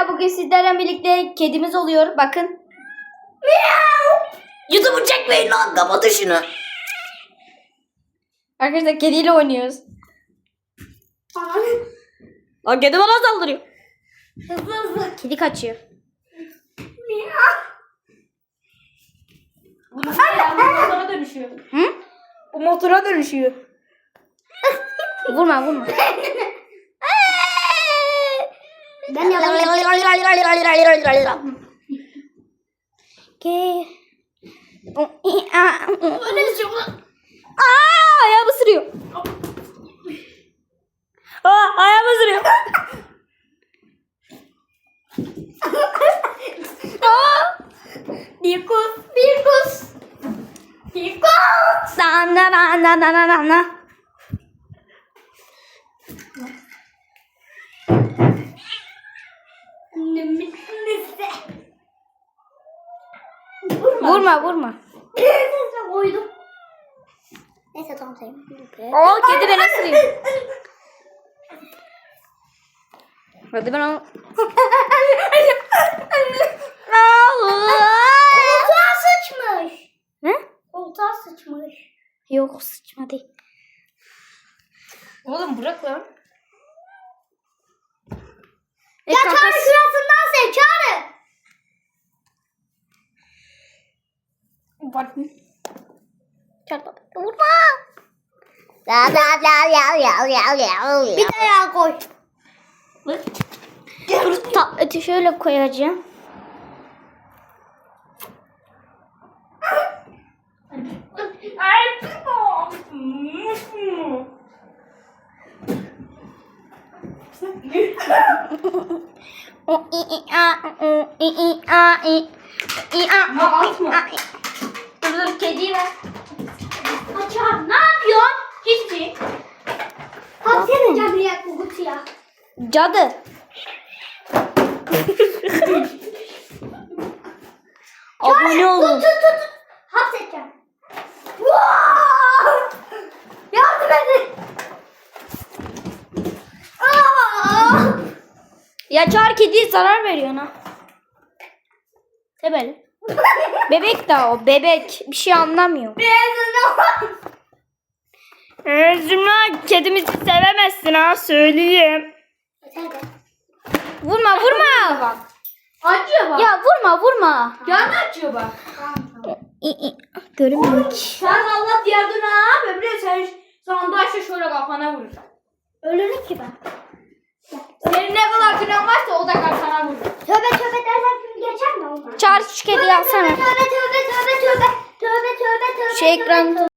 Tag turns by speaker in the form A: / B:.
A: arkadaşlar bugün sizlerle birlikte kedimiz oluyor. Bakın. YouTube'u çekmeyin lan. Kapatın şunu. Arkadaşlar kediyle oynuyoruz. Lan kedi bana saldırıyor.
B: Hızlı hızlı.
A: Kedi kaçıyor.
B: Bu motora dönüşüyor.
A: Hı?
B: Bu motora dönüşüyor.
A: Vurma vurma.
B: Ben yalan. Öyle şey olur.
A: Ayağımı ısırıyor. Ayağımı ısırıyor.
B: Birkus. Birkus. Birkus.
A: Na. Vurma.
B: Neyse koydum. Neyse tamam sayayım.
A: Kedi beni ısırıyor. Hadi ben onu...
B: Koltuğa sıçmış.
A: Ne?
B: Koltuğa sıçmış.
A: Yok sıçmadı.
B: Oğlum bırak lan.
A: E,
B: Ya
A: kanka,
B: Çağrı şurasından sev Çağrı. Bak.
A: Vurma.
B: Bir de yağ koy.
A: Dur tableti şöyle koyacağım. Dur kediyi ver.
B: Çağrı ne yapıyorsun?
A: Hiçbir şey.
B: Hapsedeceğim bir yak bu kutuya.
A: Cadı. Abone olun.
B: Tut. Hapsedeceğim. Yardım edin.
A: Ya çağır kediye zarar veriyor ha. Tebel. Bebek daha o bebek. Bir şey anlamıyor. Zümra kedimizi sevemezsin ha söyleyeyim. Vurma.
B: Acıyor bak.
A: Ya vurma.
B: Canı acıyor bak.
A: Görünmüyor ki.
B: Sen Allah diğer dönem öbürü sen sandaşla şöyle kafana vurur. Ölürüm ki ben. Senin ne kadar günahın varsa o da kafana vurur. Tövbe dersen gün geçer mi onlar?
A: Çağır şu kediyi alsana.
B: Tövbe.
A: Şu ekranı